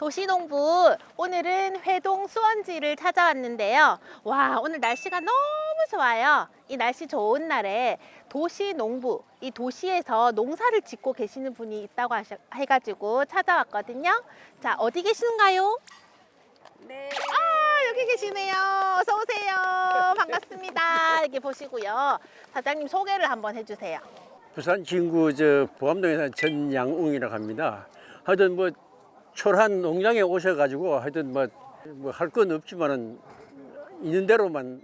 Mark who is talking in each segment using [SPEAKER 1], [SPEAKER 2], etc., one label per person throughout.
[SPEAKER 1] 도시농부 오늘은 회동 수원지를 찾아왔는데요. 와, 오늘 날씨가 너무 좋아요. 이 날씨 좋은 날에 도시농부, 이 도시에서 농사를 짓고 계시는 분이 있다고 해가지고 찾아왔거든요. 자, 어디 계시는가요?
[SPEAKER 2] 네.
[SPEAKER 1] 아, 여기 계시네요. 어서 오세요. 반갑습니다. 여기 보시고요. 사장님 소개를 한번 해주세요.
[SPEAKER 3] 부산 진구 보암동에 사는 전양웅이라고 합니다. 하여튼 뭐 초란 농장에 오셔가지고 하여튼 뭐 할 건 없지만은 있는 대로만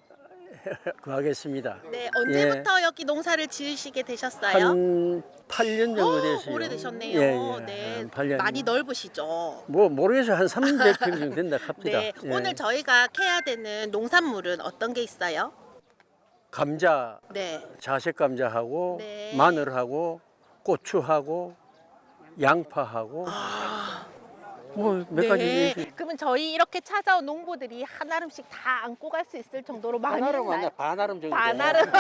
[SPEAKER 3] 하겠습니다.
[SPEAKER 1] 네, 언제부터 여기 농사를 지으시게 되셨어요?
[SPEAKER 3] 한 8년 정도 됐어요.
[SPEAKER 1] 오래되셨네요.
[SPEAKER 3] 예,
[SPEAKER 1] 네,
[SPEAKER 3] 한 8년.
[SPEAKER 1] 많이 넓으시죠?
[SPEAKER 3] 뭐 모르겠어요. 한 300평 정도 된다 합니다.
[SPEAKER 1] 네,
[SPEAKER 3] 예.
[SPEAKER 1] 오늘 저희가 캐야 되는 농산물은 어떤 게 있어요?
[SPEAKER 3] 감자,
[SPEAKER 1] 네,
[SPEAKER 3] 자색 감자하고
[SPEAKER 1] 네.
[SPEAKER 3] 마늘하고 고추하고 양파하고 뭐 몇 가지
[SPEAKER 1] 네.
[SPEAKER 3] 있어요.
[SPEAKER 1] 그러면 저희 이렇게 찾아온 농부들이 한 알음씩 다 안고 갈 수 있을 정도로 많이
[SPEAKER 3] 반아름
[SPEAKER 1] 있나요?
[SPEAKER 3] 아니야 반아름 정도.
[SPEAKER 1] 반알음.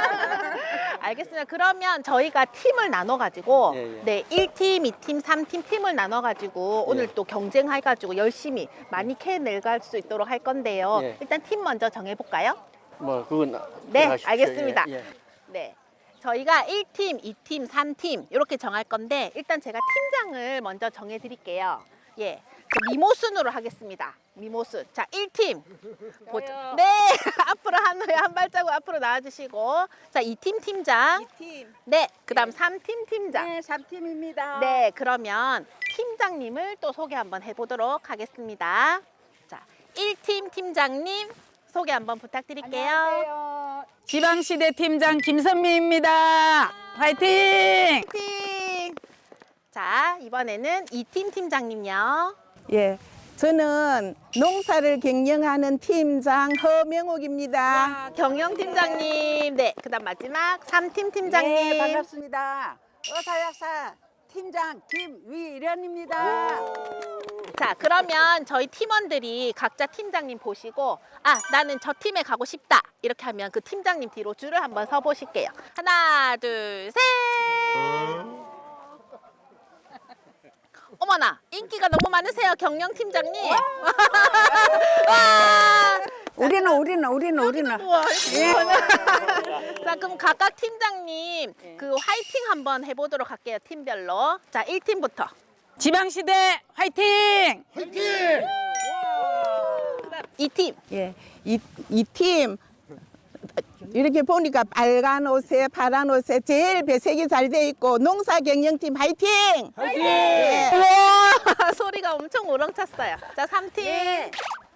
[SPEAKER 1] 알겠습니다. 그러면 저희가 팀을 나눠가지고
[SPEAKER 3] 예, 예.
[SPEAKER 1] 네, 1팀, 2팀, 3팀 팀을 나눠가지고 오늘 또 경쟁해가지고 열심히 많이 캐내갈 수 있도록 할 건데요.
[SPEAKER 3] 예.
[SPEAKER 1] 일단 팀 먼저 정해볼까요?
[SPEAKER 3] 뭐 그건
[SPEAKER 1] 네,
[SPEAKER 3] 들어가십시오.
[SPEAKER 1] 알겠습니다.
[SPEAKER 3] 예, 예.
[SPEAKER 1] 네. 저희가 1팀, 2팀, 3팀 이렇게 정할 건데 일단 제가 팀장을 먼저 정해 드릴게요. 예. 저 미모순으로 하겠습니다. 미모순. 자, 1팀. 네. 앞으로 한 발자국 앞으로 나와 주시고. 자, 2팀 팀장.
[SPEAKER 2] 2팀.
[SPEAKER 1] 네. 그다음 3팀 팀장.
[SPEAKER 2] 네, 3팀입니다.
[SPEAKER 1] 네, 그러면 팀장님을 또 소개 한번 해보도록 하겠습니다. 자, 1팀 팀장님 소개 한번 부탁드릴게요.
[SPEAKER 2] 안녕하세요.
[SPEAKER 4] 지방시대 팀장 김선미입니다. 화이팅!
[SPEAKER 1] 팀. 자, 이번에는 2팀 팀장님요.
[SPEAKER 2] 예. 저는 농사를 경영하는 팀장 허명옥입니다.
[SPEAKER 1] 경영 팀장님. 네, 그다음 마지막 3팀 팀장님.
[SPEAKER 2] 네, 반갑습니다. 어사약사 팀장 김위련입니다.
[SPEAKER 1] 자, 그러면 저희 팀원들이 각자 팀장님 보시고 아, 나는 저 팀에 가고 싶다. 이렇게 하면 그 팀장님 뒤로 줄을 한번 서 보실게요. 하나, 둘, 셋. 어머나, 인기가 너무 많으세요, 경영 팀장님. 와.
[SPEAKER 2] 우리는.
[SPEAKER 1] 우와, 자, 그럼 각각 팀장님 그 화이팅 한번 해보도록 할게요, 팀별로. 자, 1팀부터.
[SPEAKER 4] 지방시대 화이팅!
[SPEAKER 1] 2팀.
[SPEAKER 2] 예. 이 팀 이렇게 보니까 빨간 옷에 파란 옷에 제일 배색이 잘 돼 있고 농사 경영팀 화이팅! 예.
[SPEAKER 1] 우와, 소리가 엄청 우렁찼어요. 자, 3팀.
[SPEAKER 2] 네.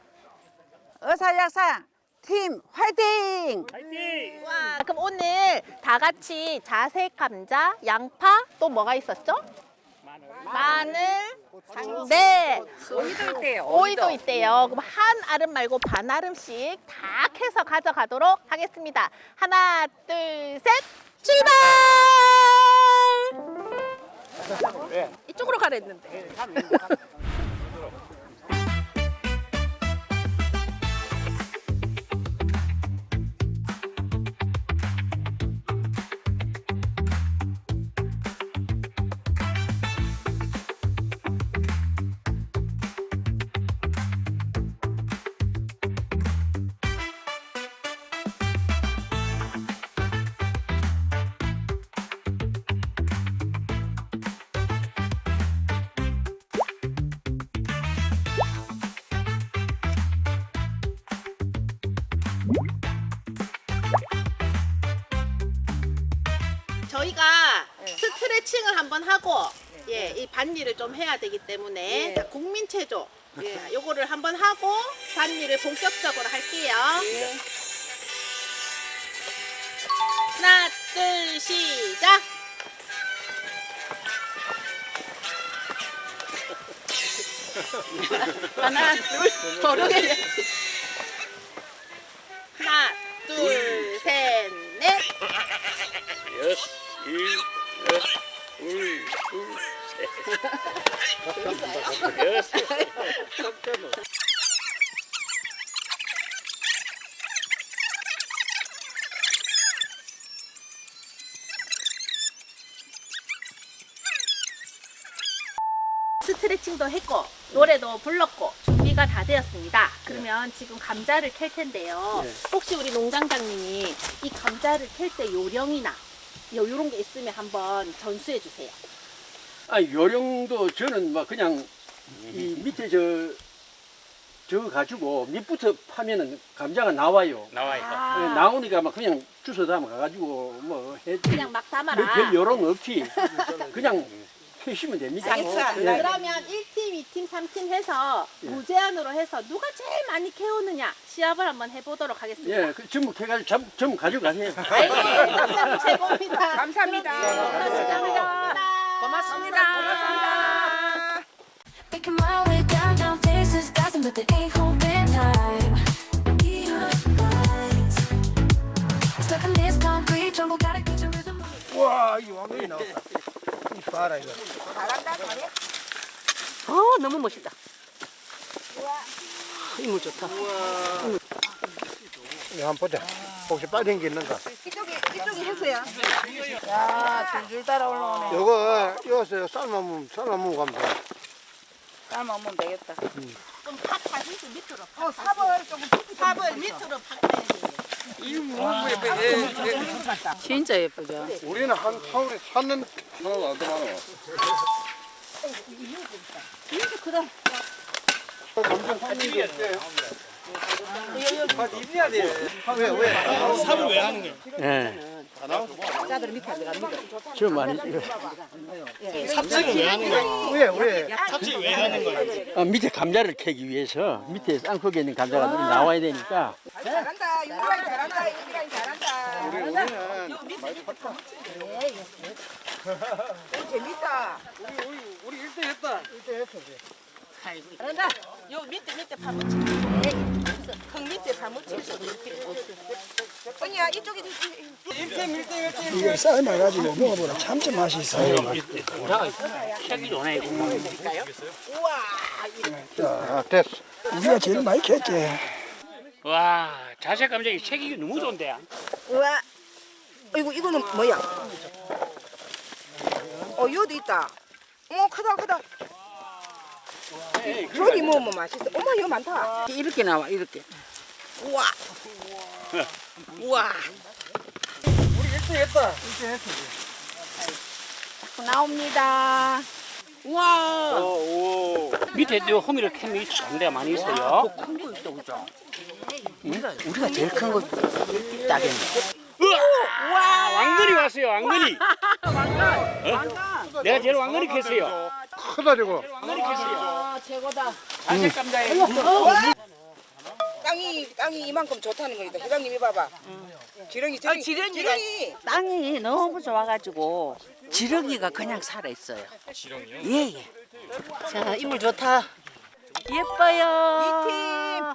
[SPEAKER 2] 어사약사 팀 화이팅!
[SPEAKER 1] 와, 그럼 오늘 다 같이 자색 감자, 양파, 또 뭐가 있었죠? 마늘, 네,
[SPEAKER 2] 오이도 있대요.
[SPEAKER 1] 오이도 있대요. 그럼 한 알음 말고 반 알음씩 다 캐서 가져가도록 하겠습니다. 하나, 둘, 셋, 출발! 이쪽으로 가라 했는데. 저희가 스트레칭을 한번 하고 예, 이 밭일을 좀 해야 되기 때문에 자, 국민체조 자, 요거를 한번 하고 밭일을 본격적으로 할게요. 하나, 둘, 시작! 하나, 둘, 저렇게 하나, 둘, 셋, 넷.
[SPEAKER 3] 여섯, 일곱, 둘, 셋. 여섯.
[SPEAKER 1] 스트레칭도 했고 노래도 불렀고 준비가 다 되었습니다. 그러면 지금 감자를 캘 텐데요.
[SPEAKER 3] 네.
[SPEAKER 1] 혹시 우리 농장장님이 이 감자를 캘 때 요령이나 이런 게 있으면 한번 전수해 주세요.
[SPEAKER 3] 아, 요령도 저는 막 그냥 이 밑에 저 가지고 밑부터 파면은 감자가 나와요.
[SPEAKER 1] 아.
[SPEAKER 3] 예, 나오니까 막 그냥 주워 담아 가지고 뭐 해.
[SPEAKER 1] 그냥 막 담아라.
[SPEAKER 3] 별 요령 없이 그냥 해시면 됩니다.
[SPEAKER 2] 알겠어.
[SPEAKER 3] 예.
[SPEAKER 1] 그러면 1팀, 2팀, 3팀 해서 무제한으로 해서 누가 제일 많이 캐오느냐 시합을 한번 해보도록 하겠습니다.
[SPEAKER 3] 예, 그 전부 캐가지고 전부 가져가세요.
[SPEAKER 1] 아이, 감사합니다. 최고입니다.
[SPEAKER 2] 감사합니다.
[SPEAKER 1] 고맙습니다.
[SPEAKER 5] Making my way downtown, faces dancing, but they ain't holding time. Stuck in this concrete jungle, gotta get your rhythm.
[SPEAKER 6] 와, 이 왕건이 나왔다. 이 봐라 이거.
[SPEAKER 1] 너무 멋있다.
[SPEAKER 6] 힘을 좋다. 이거 한번 보자. 혹시 빠진 게 있는가?
[SPEAKER 2] 이쪽이 해서요.
[SPEAKER 4] 야, 줄줄 따라 올라오네.
[SPEAKER 6] 요거 이어서 삶아먹으면 가면 돼.
[SPEAKER 4] 삶으면 되겠다.
[SPEAKER 1] 좀 팍팍해서 밑으로.
[SPEAKER 2] 삽을 밑으로 팍.
[SPEAKER 4] 진짜 예쁘죠?
[SPEAKER 6] 우리는 한 타울에 샀는 하나도 안 들어가노. 감정 샀는 게 없대. 왜?
[SPEAKER 3] 예. 저 많이
[SPEAKER 6] 왜?
[SPEAKER 3] 아, 밑에 감자를 캐기 위해서 밑에 쌍코기에 있는 감자가 나와야 되니까
[SPEAKER 2] 잘한다. 유라이 잘한다. 유라이 잘한다. 재밌다.
[SPEAKER 6] 우리 1등 했다.
[SPEAKER 2] 잘한다. 요 밑에 파묻히. 흙 밑에 파묻히. 언니야 이쪽에
[SPEAKER 7] 이거 삶아가지고 먹어보라 참참 맛이 있어요.
[SPEAKER 6] 자, 됐어.
[SPEAKER 7] 우리가 제일 많이 캤지.
[SPEAKER 8] 와, 자색 감정이 색이 너무 좋은데.
[SPEAKER 2] 우와. 이거는 뭐야? 요도 있다. 어머 크다. 저기 뭐 맛있어. 어머 이거 많다.
[SPEAKER 4] 이렇게 나와, 이렇게.
[SPEAKER 2] 우와. 우와.
[SPEAKER 1] 나옵니다. 우와.
[SPEAKER 8] 밑에 또 호미를 캠이 좋은 데가 많이 있어요.
[SPEAKER 4] 우리가 제일 큰 거 따겠네.
[SPEAKER 8] 우와, 왕건이 왔어요, 왕건이. 왕건. 내가 제일 왕건이 캤어요.
[SPEAKER 6] 크다 저거.
[SPEAKER 8] 왕건이 캤어요.
[SPEAKER 1] 최고다.
[SPEAKER 8] 자색 감자에.
[SPEAKER 2] 땅이 이만큼 좋다는 거니까 회장님이 봐봐. 지렁이.
[SPEAKER 9] 땅이 너무 좋아가지고 지렁이가 그냥 살아있어요. 지렁이요? 예. 자, 이물 좋다. 예뻐요.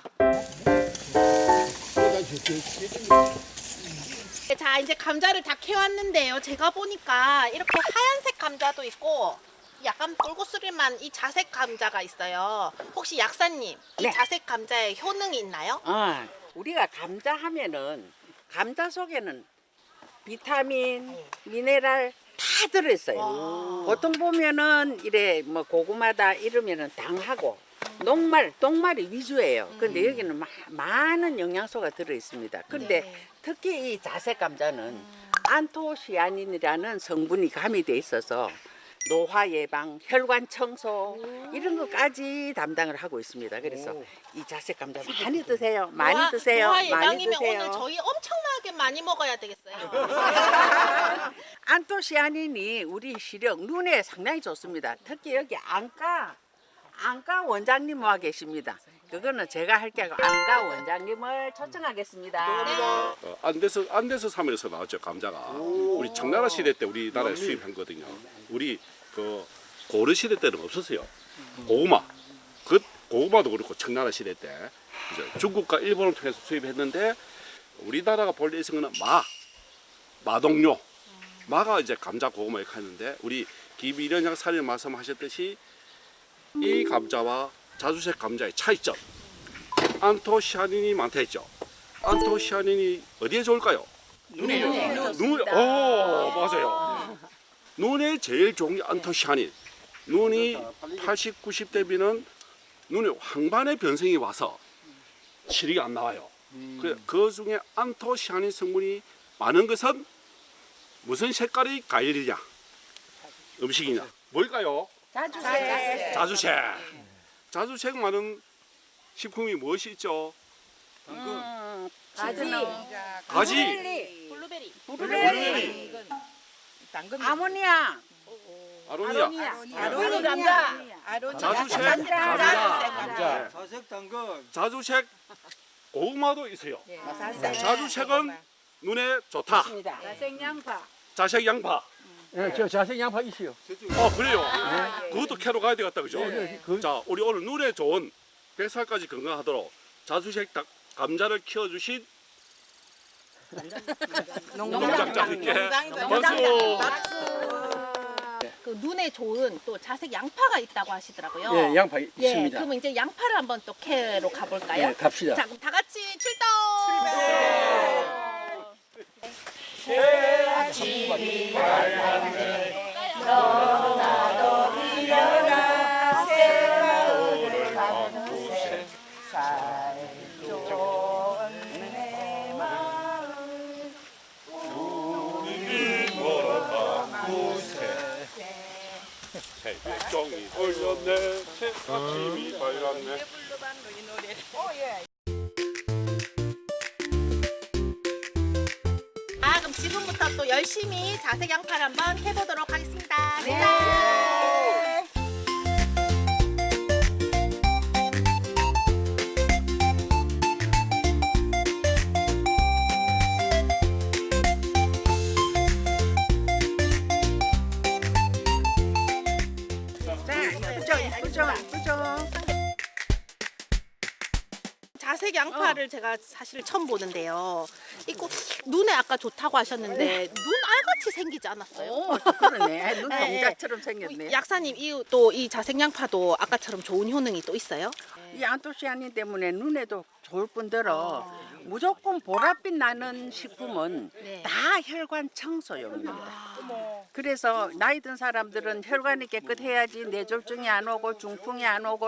[SPEAKER 1] 자, 이제 감자를 다 캐왔는데요. 제가 보니까 이렇게 하얀색 감자도 있고 약간 뿔구스름한 이 자색 감자가 있어요. 혹시 약사님, 이
[SPEAKER 9] 네.
[SPEAKER 1] 자색 감자에 효능이 있나요?
[SPEAKER 9] 우리가 감자 하면은 감자 속에는 비타민, 미네랄 다 들어있어요. 보통 보면은 이래 뭐 고구마다 이러면은 당하고 녹말이 위주예요. 근데 여기는 많은 영양소가 들어 있습니다. 근데
[SPEAKER 1] 네.
[SPEAKER 9] 특히 이 자색 감자는 안토시아닌이라는 성분이 가미돼 있어서 노화 예방, 혈관 청소 이런 것까지 담당을 하고 있습니다. 그래서 이 자색 감자 많이 드세요. 많이 드세요.
[SPEAKER 1] 노화
[SPEAKER 9] 많이
[SPEAKER 1] 예방이면
[SPEAKER 9] 드세요.
[SPEAKER 1] 오늘 저희 엄청나게 많이 먹어야 되겠어요.
[SPEAKER 9] 안토시아닌이 우리 시력, 눈에 상당히 좋습니다. 특히 여기 안과 원장님 와 계십니다. 그거는 제가 할 게 아니고 안과 원장님을 초청하겠습니다.
[SPEAKER 10] 안데스 섬에서 나왔죠 감자가. 우리 청나라 시대 때 우리나라에 수입한 거거든요. 우리 그 고려 시대 때는 없었어요. 고구마도 그렇고 청나라 시대 때 이제 중국과 일본을 통해서 수입했는데 우리나라가 본래 있은 거는 마동료, 마가 이제 감자 고구마 이렇게 하는데 우리 김일현 양사님 말씀하셨듯이 이 감자와 자주색 감자의 차이점. 안토시아닌이 많다 했죠. 안토시아닌이 어디에 좋을까요? 눈에요. 맞아요. 눈에 제일 좋은 게 안토시아닌. 눈이 80, 90대 비는 눈에 황반의 변성이 와서 실이 안 나와요. 그 중에 안토시아닌 성분이 많은 것은 무슨 색깔의 과일이냐? 음식이냐? 뭘까요? 자주색. 자주색 많은 식품이 무엇이 있죠? 가지. 블루베리.
[SPEAKER 9] 아모니아.
[SPEAKER 10] 아로니아. 자주색. 감자. 자주색 고구마도 있어요. 자주색은 눈에 좋다. 자색 양파.
[SPEAKER 3] 예, 저 자색 양파 있어요.
[SPEAKER 10] 그래요. 그것도 캐러 가야 되겠다, 그죠? 자, 우리 오늘 눈에 좋은 100살까지 건강하도록 자주색 감자를 키워주신 농장장님께 박수.
[SPEAKER 1] 그 눈에 좋은 또 자색 양파가 있다고 하시더라고요.
[SPEAKER 3] 예, 양파
[SPEAKER 1] 예,
[SPEAKER 3] 있습니다.
[SPEAKER 1] 그러면 이제 양파를 한번 또 캐러 가볼까요?
[SPEAKER 3] 예, 갑시다.
[SPEAKER 1] 자, 그럼 다 같이 출동!
[SPEAKER 10] 새벽종이 올렸네, 새아침이 밝았네.
[SPEAKER 1] 그럼 지금부터 또 열심히 자색 양파를 한번 해보도록 하겠습니다. 네. 자색 양파를 제가 사실 처음 보는데요. 이거 눈에 아까 좋다고 하셨는데 눈 알같이 생기지 않았어요?
[SPEAKER 9] 그러네. 눈
[SPEAKER 1] 네.
[SPEAKER 9] 동자처럼 생겼네.
[SPEAKER 1] 약사님, 이 자색 양파도 아까처럼 좋은 효능이 또 있어요?
[SPEAKER 9] 이 안토시아닌 때문에 눈에도 좋을 뿐더러 무조건 보랏빛 나는 식품은
[SPEAKER 1] 네.
[SPEAKER 9] 다 혈관 청소용입니다. 그래서 나이 든 사람들은 혈관이 깨끗해야지 뇌졸중이 안 오고 중풍이 안 오고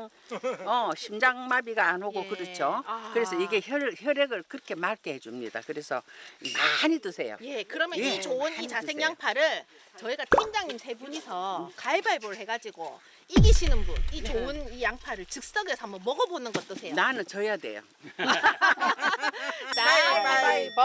[SPEAKER 9] 심장마비가 안 오고
[SPEAKER 1] 예.
[SPEAKER 9] 그렇죠.
[SPEAKER 1] 아.
[SPEAKER 9] 그래서 이게 혈액을 그렇게 맑게 해줍니다. 그래서 많이 드세요.
[SPEAKER 1] 예, 그러면
[SPEAKER 9] 예,
[SPEAKER 1] 이 좋은 이
[SPEAKER 9] 많이
[SPEAKER 1] 자색
[SPEAKER 9] 드세요.
[SPEAKER 1] 양파를 저희가 팀장님 세 분이서 가위바위보를 해가지고 이기시는 분, 이 좋은 이 양파를 즉석에서 한번 먹어보는 것 어떠세요?
[SPEAKER 9] 나는 져야 돼요.
[SPEAKER 1] 가위바위보!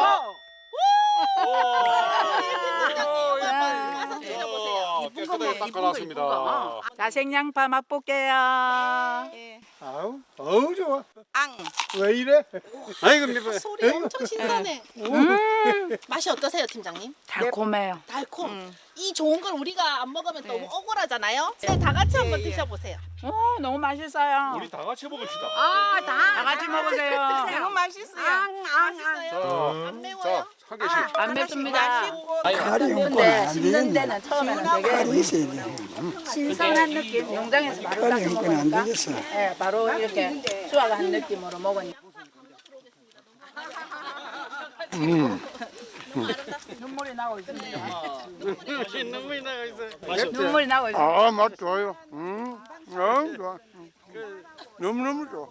[SPEAKER 1] 가서 드셔보세요.
[SPEAKER 10] 깨끗하게 닦아놨습니다.
[SPEAKER 4] 자색양파 맛볼게요.
[SPEAKER 6] 어우 좋아. 왜 이래? 아이고
[SPEAKER 1] 소리 엄청 신선해. 맛이 어떠세요, 팀장님?
[SPEAKER 4] 달콤해요.
[SPEAKER 1] 달콤. 이 좋은 걸 우리가 안 먹으면 너무 억울하잖아요. 다 같이 한번 드셔보세요.
[SPEAKER 4] 너무 맛있어요.
[SPEAKER 10] 우리 다 같이 먹읍시다.
[SPEAKER 4] 다 같이 먹으세요.
[SPEAKER 1] 너무 맛있어요. 맛있어요. 안 매워요?
[SPEAKER 10] 한 개씩.
[SPEAKER 4] 안 맵습니다.
[SPEAKER 7] 칼이 없고는
[SPEAKER 4] 근데
[SPEAKER 7] 안
[SPEAKER 4] 씹는
[SPEAKER 7] 되겠네.
[SPEAKER 4] 데는 처음에는 되게
[SPEAKER 7] 칼이 있어야 돼.
[SPEAKER 4] 신선한 느낌. 농장에서 바로
[SPEAKER 7] 칼이
[SPEAKER 4] 따서
[SPEAKER 7] 없고는 안
[SPEAKER 4] 먹으니까
[SPEAKER 7] 되겠어.
[SPEAKER 4] 예, 바로 이렇게 수확한 느낌으로 먹으니까. 눈물이 나고 있습니다. 눈물이 나고 있습니다.
[SPEAKER 6] 맛 좋아요. 너무 좋아. 너무너무 좋아.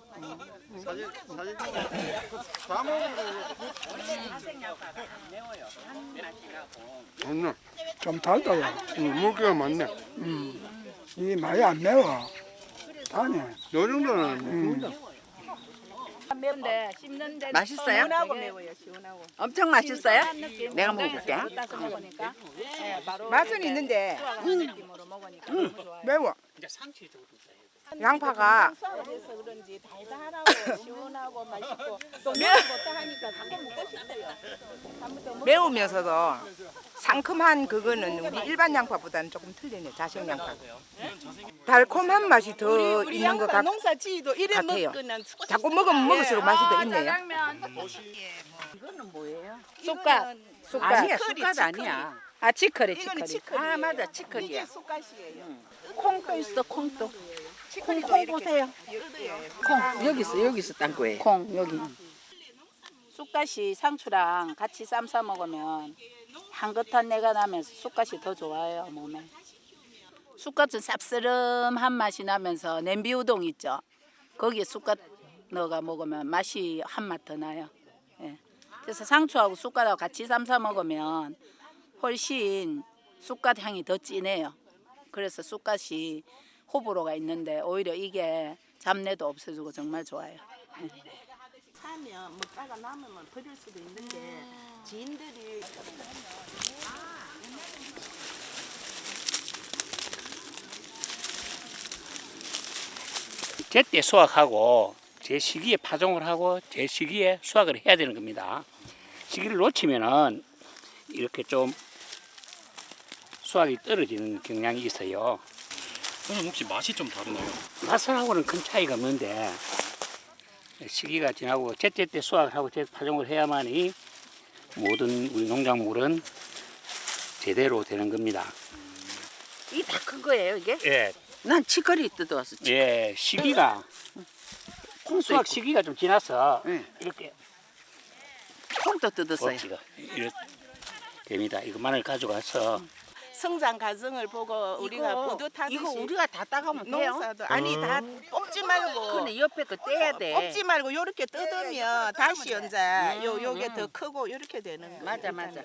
[SPEAKER 6] 맞네.
[SPEAKER 7] 좀 달다고.
[SPEAKER 6] 물기가 많네.
[SPEAKER 7] 이게 많이 안 매워. 다네.
[SPEAKER 6] 요 정도는 안 맵습니다.
[SPEAKER 4] 매운데 씹는 데
[SPEAKER 9] 맛있어요?
[SPEAKER 4] 시원하고 매워요. 시원하고.
[SPEAKER 9] 엄청 맛있어요?
[SPEAKER 4] 느낌.
[SPEAKER 9] 내가 먹어볼게.
[SPEAKER 4] 따서 먹으니까 예, 바로
[SPEAKER 2] 맛은
[SPEAKER 4] 이렇게
[SPEAKER 2] 있는데
[SPEAKER 4] 수확한 느낌으로 먹으니까 너무 좋아요.
[SPEAKER 2] 매워. 양파가
[SPEAKER 4] 그래서 그런지 달달하고 시원하고 맛있고 또 매운 것도 하니까 자꾸 먹고 싶어요.
[SPEAKER 2] 매우면서도 상큼한 그거는 우리 일반 양파보다는 조금 틀리네. 자색 양파. 달콤한 맛이 더 있는 것 같아요.
[SPEAKER 4] 농사 지도 이래
[SPEAKER 2] 같아요.
[SPEAKER 4] 먹으면
[SPEAKER 2] 자꾸 먹으면 먹을수록 맛이 더 있네요.
[SPEAKER 9] 이거는 뭐예요?
[SPEAKER 4] 쑥갓.
[SPEAKER 9] 아니야, 쑥갓 아니야.
[SPEAKER 4] 아 치커리
[SPEAKER 2] 이거는
[SPEAKER 4] 치커리.
[SPEAKER 2] 치커리.
[SPEAKER 9] 아, 맞아, 치커리야.
[SPEAKER 4] 콩도 있어 콩도.
[SPEAKER 2] 콩 보세요.
[SPEAKER 9] 콩, 여기 있어, 땅콩에.
[SPEAKER 4] 콩 여기. 쑥갓이 상추랑 같이 쌈 싸 먹으면 향긋한 내가 나면서 쑥갓이 더 좋아요 몸에. 쑥갓은 쌉스름한 맛이 나면서 냄비 우동 있죠. 거기에 쑥갓 넣어가 먹으면 맛이 한 맛 더 나요. 예. 그래서 상추하고 쑥갓하고 같이 삶아 먹으면 훨씬 쑥갓 향이 더 진해요. 그래서 쑥갓이 호불호가 있는데 오히려 이게 잡내도 없애주고 정말 좋아요.
[SPEAKER 9] 사면 먹다가 남으면 버릴 수도 있는데 지인들이
[SPEAKER 8] 제때 수확하고 제 시기에 파종을 하고 제 시기에 수확을 해야 되는 겁니다. 시기를 놓치면은 이렇게 좀 수확이 떨어지는 경향이 있어요.
[SPEAKER 11] 그럼 혹시 맛이 좀 다르나요?
[SPEAKER 8] 맛하고는 큰 차이가 없는데 시기가 지나고 제때 수확을 하고 제 파종을 해야만이 모든 우리 농작물은 제대로 되는 겁니다.
[SPEAKER 9] 이게 다 큰 거예요 이게?
[SPEAKER 8] 예,
[SPEAKER 9] 난 치커리 뜯어왔어.
[SPEAKER 8] 예, 시기가 수확 시기가 좀 지나서
[SPEAKER 9] 예.
[SPEAKER 8] 이렇게
[SPEAKER 9] 콩도 뜯었어요.
[SPEAKER 8] 꼭지가 이렇게 됩니다. 이거 마늘 가져가서
[SPEAKER 2] 성장 과정을 보고 우리가 뿌듯하듯이
[SPEAKER 9] 이거 우리가 다 따가면 돼요?
[SPEAKER 2] 농사도 아니 다 뽑지 말고
[SPEAKER 9] 근데 옆에 거 떼야 돼.
[SPEAKER 2] 뽑지 말고 요렇게 뜯으면 다시 연자 요게 더 크고 요렇게 되는 거예요.
[SPEAKER 9] 맞아 맞아.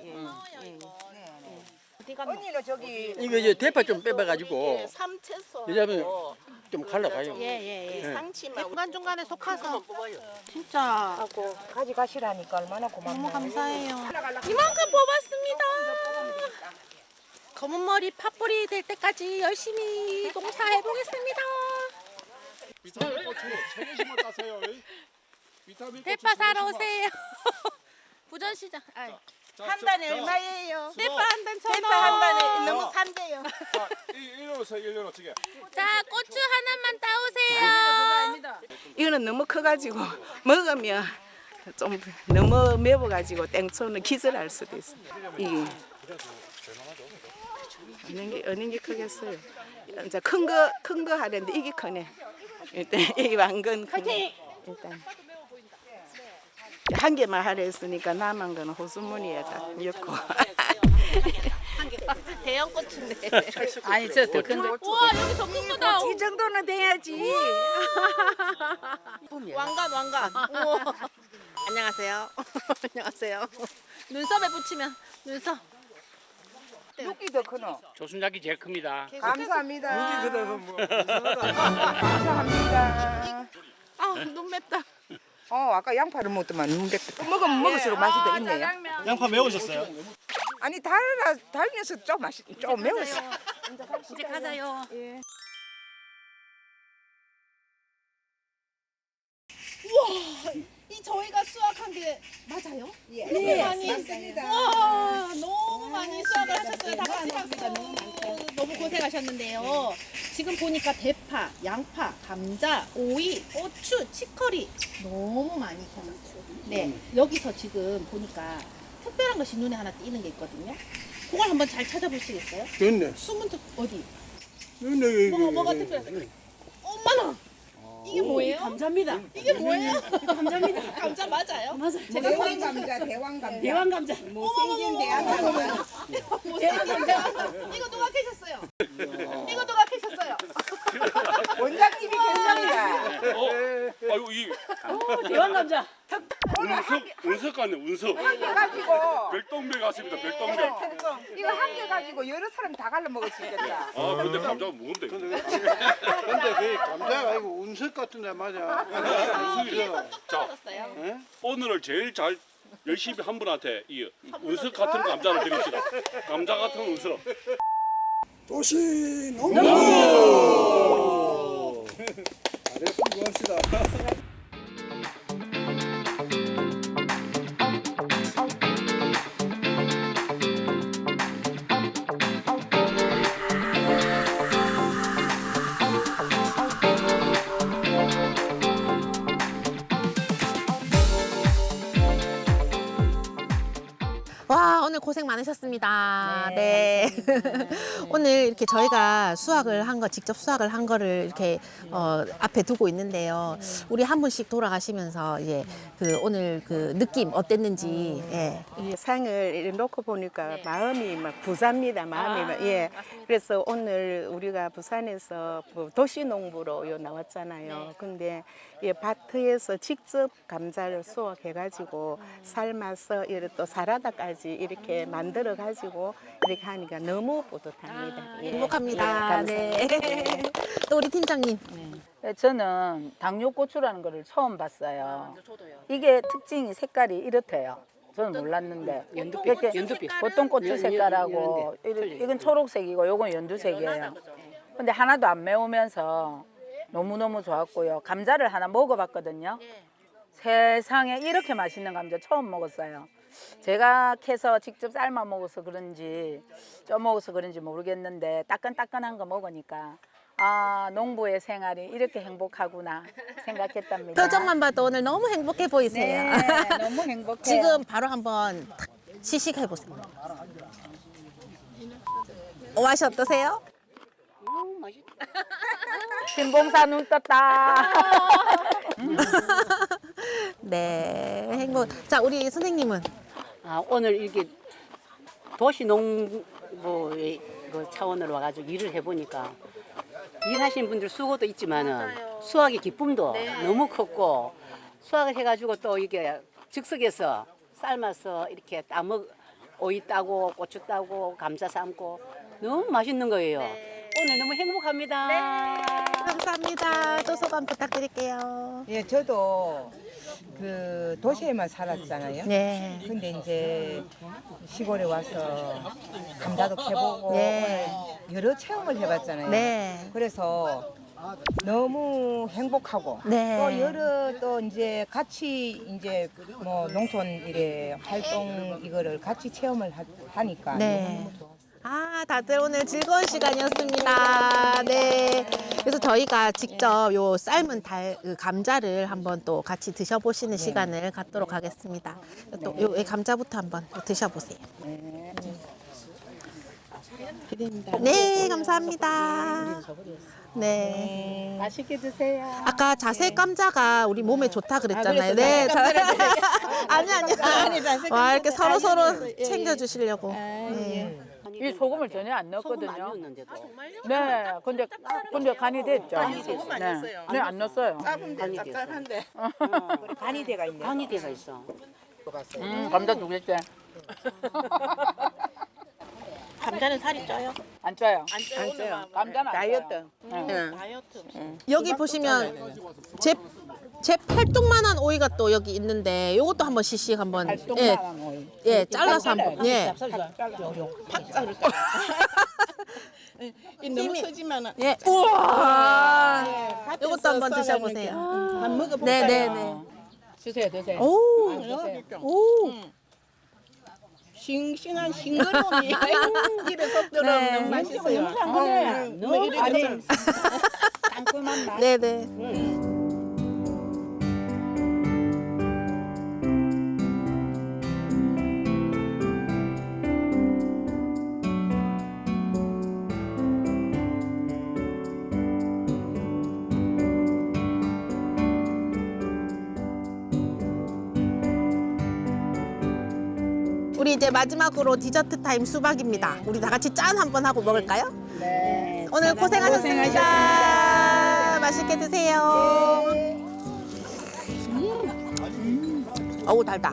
[SPEAKER 2] 언니는 저기
[SPEAKER 3] 이거 이제 대파 좀 빼봐가지고
[SPEAKER 2] 삼채소
[SPEAKER 3] 왜냐면 좀 갈라가요.
[SPEAKER 2] 예예예 상치만
[SPEAKER 1] 중간 중간에 속아서
[SPEAKER 4] 진짜
[SPEAKER 2] 하고 가져가시라니까 얼마나 고맙나요.
[SPEAKER 1] 너무 감사해요. 이만큼 뽑았습니다. 검은 머리 팥뿌리 될 때까지 열심히 농사해 보겠습니다.
[SPEAKER 6] 비타민 고추 3개씩만 따세요. 비타민
[SPEAKER 1] 대파 사러 오세요. 부전시장.
[SPEAKER 2] 한 단에 얼마예요?
[SPEAKER 1] 대파 한 단 1,000원.
[SPEAKER 2] 대파 한 단에 너무 산대요.
[SPEAKER 6] 자, 일로 오세요. 일로 어떻게?
[SPEAKER 1] 자, 고추 하나만 따오세요.
[SPEAKER 2] 이거는 너무 커가지고 먹으면 좀 너무 매워가지고 땡초는 기절할 수도 있어. 이게 어느 게 크겠어요. 이제 큰 거 하는데 이게 크네. 일단 이 왕건 크네. 일단 한 개만 하려 했으니까 남은 거는 호수무늬에다 넣고.
[SPEAKER 1] 대형 고추인데.
[SPEAKER 4] 아니 저 더 큰 거.
[SPEAKER 1] 우와, 여기 더 큰 거다.
[SPEAKER 9] 이 정도는 돼야지.
[SPEAKER 1] 왕관. 우와. 안녕하세요. 안녕하세요. 눈썹에 붙이면 눈썹.
[SPEAKER 7] 육기 더 크노.
[SPEAKER 8] 조순작이 제일 큽니다.
[SPEAKER 7] 감사합니다.
[SPEAKER 6] 여기 그다가 뭐
[SPEAKER 7] 감사합니다.
[SPEAKER 1] 아, 눈 맵다.
[SPEAKER 7] 아까 양파를 먹더만 눈백도 먹으면 먹을수록 맛이 더 있네요.
[SPEAKER 11] 양파 매우셨어요?
[SPEAKER 7] 아니 달면서 좀 매웠어.
[SPEAKER 1] 이제 가자요. 이 저희가 수확한 게 맞아요? 예. 네, 맞습니다. 와, 너무 많이 수확을 하셨어요. 다 같이 박수. 너무 고생하셨는데요. 지금 보니까 대파, 양파, 감자, 오이, 고추, 치커리 너무 많이 켜졌죠. 네, 여기서 지금 보니까 특별한 것이 눈에 하나 띄는 게 있거든요. 그걸 한번 잘 찾아보시겠어요?
[SPEAKER 6] 됐네.
[SPEAKER 1] 숨은 특 어디?
[SPEAKER 6] 됐네.
[SPEAKER 1] 뭐가 특별해? 엄마나. 이게 뭐예요? 감자입니다. 이게 뭐예요? 감자입니다. 감자 맞아요? 맞아요. 제가
[SPEAKER 7] 대왕 감자.
[SPEAKER 1] 대왕 감자.
[SPEAKER 7] 못생긴 대왕 감자.
[SPEAKER 1] 대왕 감자. 이거 누가 캐셨어요? 이거 누가 캐셨어요?
[SPEAKER 7] 원장님이 괜찮다.
[SPEAKER 10] 아이고 이
[SPEAKER 1] 대왕 감자.
[SPEAKER 10] 운석 같네 운석.
[SPEAKER 7] 해가지고
[SPEAKER 10] 별똥별 같습니다 별똥별.
[SPEAKER 7] 이거 한 개 가지고 여러 사람 다 갈라 먹을 수 있겠다.
[SPEAKER 10] 아 근데 감자가 먹으면 돼.
[SPEAKER 6] 근데 그 감자가 아니고 운석 같은데 맞아.
[SPEAKER 10] 자 오늘을 제일 잘 열심히 한 분한테 이 운석 같은 감자를 드립시다. 감자 같은 운석.
[SPEAKER 7] 도시 농.
[SPEAKER 6] 잘했으면 고맙습니다.
[SPEAKER 1] 와, 오늘 오늘 고생 많으셨습니다. 네. 오늘 이렇게 저희가 수확을 한 거, 직접 수확을 한 거를 이렇게 앞에 두고 있는데요. 우리 한 분씩 돌아가시면서 이제 그 오늘 그 느낌 어땠는지. 예.
[SPEAKER 2] 이 상을 이렇게 놓고 보니까 마음이 막 부삽니다. 마음이 막, 예. 그래서 오늘 우리가 부산에서 도시농부로 나왔잖아요. 근데 이 밭에서 직접 감자를 수확해가지고 삶아서 이렇게 또 사라다까지 이렇게 만들어가지고 이렇게 하니까 너무 뿌듯합니다. 예.
[SPEAKER 1] 행복합니다. 네. 또 우리 팀장님.
[SPEAKER 4] 저는 당뇨고추라는 거를 처음 봤어요. 이게 특징이 색깔이 이렇대요. 저는 몰랐는데 연두빛 보통 고추 색깔하고 이건 초록색이고 요건 연두색이에요. 근데 하나도 안 매우면서 너무너무 좋았고요. 감자를 하나 먹어봤거든요. 세상에 이렇게 맛있는 감자 처음 먹었어요. 제가 캐서 직접 삶아 먹어서 그런지 쪄 먹어서 그런지 모르겠는데 따끈따끈한 거 먹으니까 아, 농부의 생활이 이렇게 행복하구나 생각했답니다.
[SPEAKER 1] 표정만 봐도 오늘 너무 행복해 보이세요.
[SPEAKER 4] 네, 너무 행복해요.
[SPEAKER 1] 지금 바로 한번 시식해 보세요. 맛이 어떠세요?
[SPEAKER 4] 신봉사 눈 떴다.
[SPEAKER 1] 네, 행복. 자, 우리 선생님은
[SPEAKER 12] 오늘 이렇게 도시농부의 그 차원으로 와가지고 일을 해보니까 일하시는 분들 수고도 있지만은 수확의 기쁨도 너무 컸고 수확을 해가지고 또 이게 즉석에서 삶아서 이렇게 오이 따고 고추 따고 감자 삶고 너무 맛있는 거예요. 오늘 너무 행복합니다.
[SPEAKER 1] 감사합니다. 또 소감 부탁드릴게요.
[SPEAKER 7] 예, 저도 그 도시에만 살았잖아요.
[SPEAKER 1] 네.
[SPEAKER 7] 근데 이제 시골에 와서 감자도 캐보고
[SPEAKER 1] 네.
[SPEAKER 7] 오늘 여러 체험을 해봤잖아요.
[SPEAKER 1] 네.
[SPEAKER 7] 그래서 너무 행복하고
[SPEAKER 1] 네.
[SPEAKER 7] 또 여러 또 이제 같이 이제 뭐 농촌 일에 활동 이거를 같이 체험을 하니까
[SPEAKER 1] 네.
[SPEAKER 7] 너무 좋았어요.
[SPEAKER 1] 아, 다들 오늘 즐거운 시간이었습니다. 네. 그래서 저희가 직접 요 삶은 그 감자를 한번 또 같이 드셔보시는 시간을 갖도록 하겠습니다. 또 요 감자부터 한번 또 드셔보세요. 네, 감사합니다. 네.
[SPEAKER 4] 맛있게 드세요.
[SPEAKER 1] 아까 자색 감자가 우리 몸에 좋다 그랬잖아요. 네. 아니. 와, 이렇게 서로 챙겨주시려고. 네.
[SPEAKER 4] 이 소금을 전혀 안
[SPEAKER 12] 소금 안
[SPEAKER 4] 넣었거든요.
[SPEAKER 12] 넣었는데도
[SPEAKER 4] 네, 근데 간이 됐죠. 네, 안 넣었어요.
[SPEAKER 12] 간이 됐어.
[SPEAKER 7] 간이 돼가 있네.
[SPEAKER 12] 간이 돼가 있어.
[SPEAKER 4] 감자 두 개째.
[SPEAKER 1] 감자는 살이 쪄요?
[SPEAKER 4] 안 쪄요.
[SPEAKER 1] 안 쪄요.
[SPEAKER 4] 감자는 안
[SPEAKER 2] 다이어트.
[SPEAKER 4] 쪄요.
[SPEAKER 1] 여기 보시면 제 팔뚝만한 오이가 또 여기 있는데 요것도 한번 시식 한번 예, 잘라서 한번 예.
[SPEAKER 2] 너무 크지만은
[SPEAKER 1] 예. 우와. 요것도 한번 드셔보세요.
[SPEAKER 2] 한 먹어볼까요?
[SPEAKER 1] 네네네.
[SPEAKER 4] 드세요.
[SPEAKER 1] 오.
[SPEAKER 2] 싱싱한 싱그러움이 입에 쏙 들어
[SPEAKER 1] 네.
[SPEAKER 2] 너무 맛있어요.
[SPEAKER 4] 너무 아니 상큼한 맛.
[SPEAKER 1] 네네. 우리 이제 마지막으로 디저트 타임 수박입니다. 우리 다 같이 짠 한번 하고 먹을까요?
[SPEAKER 4] 네.
[SPEAKER 1] 오늘 고생하셨습니다. 맛있게 드세요. 어우, 달다.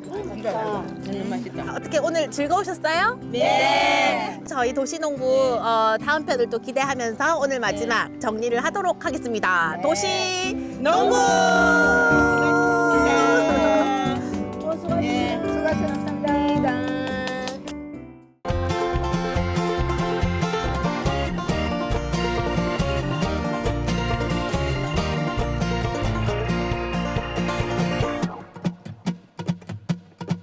[SPEAKER 1] 어떻게 오늘 즐거우셨어요? 네. 저희 도시농부 다음 편을 또 기대하면서 오늘 마지막 정리를 하도록 하겠습니다. 도시농부!